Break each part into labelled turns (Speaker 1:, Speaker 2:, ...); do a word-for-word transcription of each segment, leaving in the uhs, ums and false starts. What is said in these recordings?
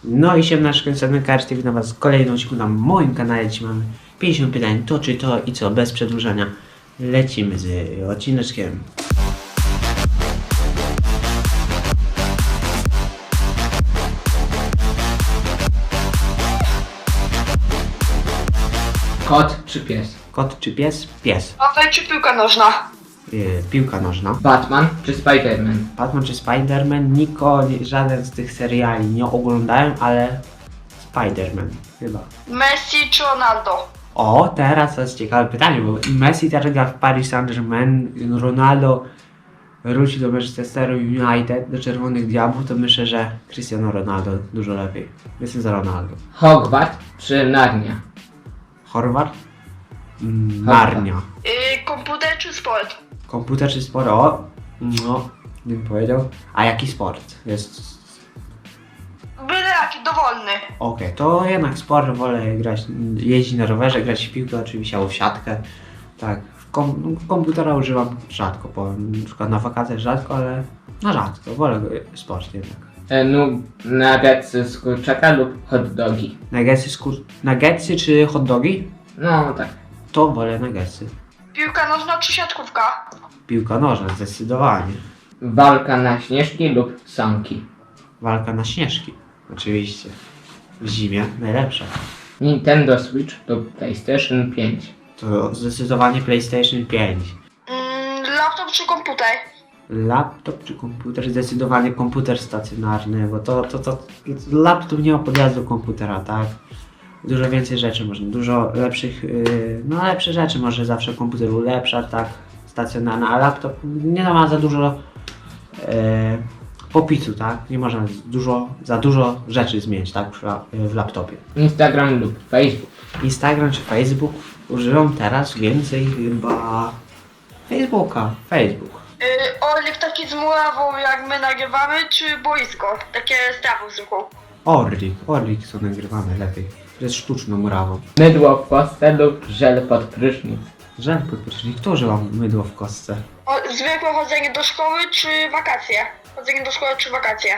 Speaker 1: No i siemnaczko, jestem Karty, witam was w kolejnym odcinku na moim kanale. Dzisiaj mamy pięćdziesiąt pytań, to czy to i co, bez przedłużania lecimy z odcineczkiem.
Speaker 2: Kot czy pies?
Speaker 1: Kot czy pies? Pies.
Speaker 3: Paweł czy piłka nożna?
Speaker 1: Yy, piłka nożna.
Speaker 2: Batman czy Spiderman?
Speaker 1: Batman czy Spiderman? Niko, nie, żaden z tych seriali nie oglądałem, ale Spiderman chyba.
Speaker 3: Messi czy Ronaldo?
Speaker 1: O, teraz to jest ciekawe pytanie, bo Messi teraz gra w Paris Saint-Germain, Ronaldo wróci do Manchesteru United, do Czerwonych Diabłów, to myślę, że Cristiano Ronaldo dużo lepiej. Jestem za Ronaldo.
Speaker 2: Hogwart czy Narnia?
Speaker 1: Horvat? Mm, Narnia.
Speaker 3: Yy, komputer czy sport?
Speaker 1: Komputer czy sport? O, no, bym powiedział. A jaki sport? Jest...
Speaker 3: Byle jaki, dowolny.
Speaker 1: Okej, to jednak sport, wolę grać, jeździć na rowerze, grać w piłkę oczywiście, albo w siatkę. Tak, w kom komputera używam rzadko, bo na przykład na wakacjach rzadko, ale na rzadko, wolę sport jednak.
Speaker 2: E, no, nuggetsy z kurczaka lub hot dogi?
Speaker 1: Nuggetsy, skur- nuggetsy czy hot dogi?
Speaker 2: No tak.
Speaker 1: To wolę nuggetsy.
Speaker 3: Piłka nożna czy siatkówka?
Speaker 1: Piłka nożna, zdecydowanie.
Speaker 2: Walka na śnieżki lub sanki?
Speaker 1: Walka na śnieżki, oczywiście. W zimie najlepsza.
Speaker 2: Nintendo Switch lub PlayStation pięć?
Speaker 1: To zdecydowanie PlayStation pięć.
Speaker 3: Mm, laptop czy komputer?
Speaker 1: Laptop czy komputer? Zdecydowanie komputer stacjonarny, bo to, to, to laptop nie ma podjazdu do komputera, tak? Dużo więcej rzeczy można, dużo lepszych, yy, no lepsze rzeczy może zawsze komputer ulepsza, tak? Stacjonarny, a laptop nie ma za dużo yy, popisu, tak? Nie można dużo, za dużo rzeczy zmienić, tak? W, w laptopie.
Speaker 2: Instagram lub Facebook?
Speaker 1: Instagram czy Facebook? Używam teraz więcej chyba Facebooka. Facebook.
Speaker 3: Yy, Orlik taki z murawą jak my nagrywamy, czy boisko? Takie z trawą zwykłą.
Speaker 1: Orlik, Orlik co nagrywamy lepiej. To jest sztuczną murawą.
Speaker 2: Mydło w kostce lub żel pod prysznic?
Speaker 1: Żel podprysznik, kto używa mydło w kostce?
Speaker 3: O, zwykłe chodzenie do szkoły czy wakacje? Chodzenie do szkoły czy wakacje?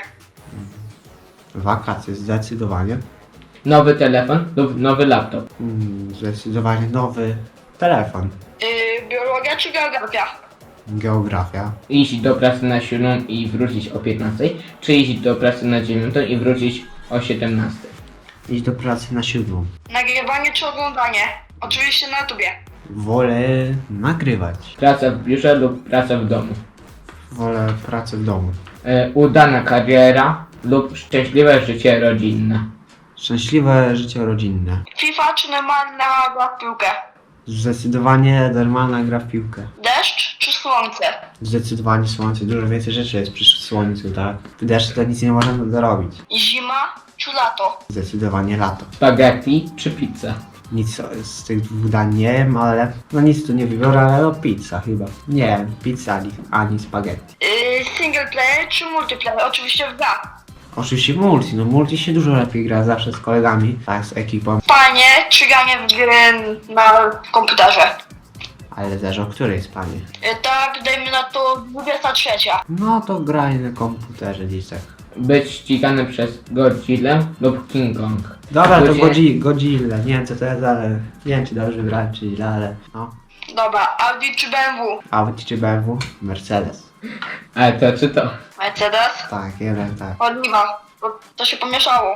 Speaker 1: Wakacje, zdecydowanie.
Speaker 2: Nowy telefon lub nowy laptop?
Speaker 1: Mm, zdecydowanie nowy telefon.
Speaker 3: Yy, biologia czy geografia?
Speaker 1: Geografia.
Speaker 2: Iść do pracy na siódmą i wrócić o piętnastej? Czy iść do pracy na dziewiątą i wrócić o siedemnastej?
Speaker 1: Iść do pracy na siódmą.
Speaker 3: Nagrywanie czy oglądanie? Oczywiście na YouTubie.
Speaker 1: Wolę nagrywać.
Speaker 2: Praca w biurze lub praca w domu?
Speaker 1: Wolę pracę w domu.
Speaker 2: E, udana kariera lub szczęśliwe życie rodzinne?
Speaker 1: Szczęśliwe życie rodzinne.
Speaker 3: FIFA czy normalna gra w piłkę?
Speaker 1: Zdecydowanie normalna gra w piłkę.
Speaker 3: Deszcz czy słońce?
Speaker 1: Zdecydowanie słońce, dużo więcej rzeczy jest przy słońcu, tak? W deszczu to nic nie można zrobić.
Speaker 3: Zima czy lato?
Speaker 1: Zdecydowanie lato.
Speaker 2: Spaghetti czy pizza?
Speaker 1: Nic z tych dwóch dań nie wiem, ale no nic tu nie wybiorę, ale no pizza chyba. Nie wiem, pizza ani, ani spaghetti.
Speaker 3: Yy, single player czy multiplayer? Oczywiście w gra.
Speaker 1: Oczywiście multi, no multi się dużo lepiej gra zawsze z kolegami, tak, z ekipą.
Speaker 3: Panie czy granie w gry na komputerze?
Speaker 1: Ale zależy o której spanie.
Speaker 3: Yy, tak, dajmy na to dwudziesta trzecia.
Speaker 1: No to graj na komputerze gdzieś tak.
Speaker 2: Być ścigany przez Godzillę lub King Kong?
Speaker 1: Dobra, to
Speaker 2: Ludzie-
Speaker 1: Godzi- Godzilla, nie wiem co to jest, ale nie wiem czy dobrze wybrałem czy źle, ale no.
Speaker 3: Dobra, Audi czy B M W?
Speaker 1: Audi czy B M W? Mercedes.
Speaker 2: Ale to czy to?
Speaker 3: Mercedes?
Speaker 1: Tak, jeden tak.
Speaker 3: Oliwa, bo to się pomieszało.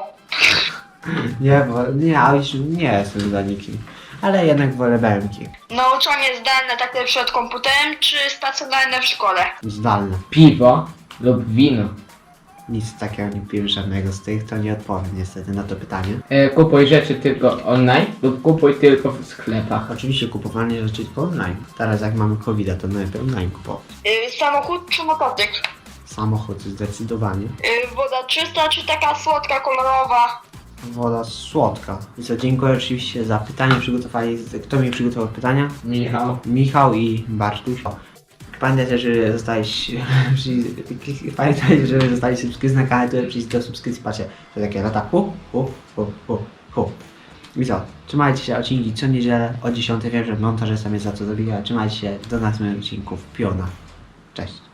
Speaker 1: Nie, bo nie, Audi nie jestem za nikim. Ale jednak wolę B M ki.
Speaker 3: Nauczanie zdalne takie przed komputerem czy stacjonarne w szkole?
Speaker 1: Zdalne.
Speaker 2: Piwo lub wino?
Speaker 1: Nic takiego nie piłem żadnego z tych, to nie odpowiem niestety na to pytanie.
Speaker 2: E, kupuj rzeczy tylko online lub kupuj tylko w sklepach?
Speaker 1: Oczywiście kupowanie rzeczy tylko online. Teraz jak mamy kowida, to najlepiej online kupować.
Speaker 3: Yy, samochód czy motocykl?
Speaker 1: Samochód zdecydowanie.
Speaker 3: Yy, woda czysta czy taka słodka, kolorowa?
Speaker 1: Woda słodka. I co, dziękuję oczywiście za pytanie przygotowali. Kto mi przygotował pytania?
Speaker 2: Michał.
Speaker 1: Michał i Bartuś. Pamiętajcie, że zostałeś... Pamiętajcie, że zostali subskrypcji na kanale, to przyjść do subskrypcji, patrzcie. To takie lata hu, hu, hu, hu, hu. I co? Trzymajcie się, odcinki co niedzielę o dziesiątej. Wiem, że montażysta mnie za to zabija. Trzymajcie się, do następnych odcinków. Piona. Cześć.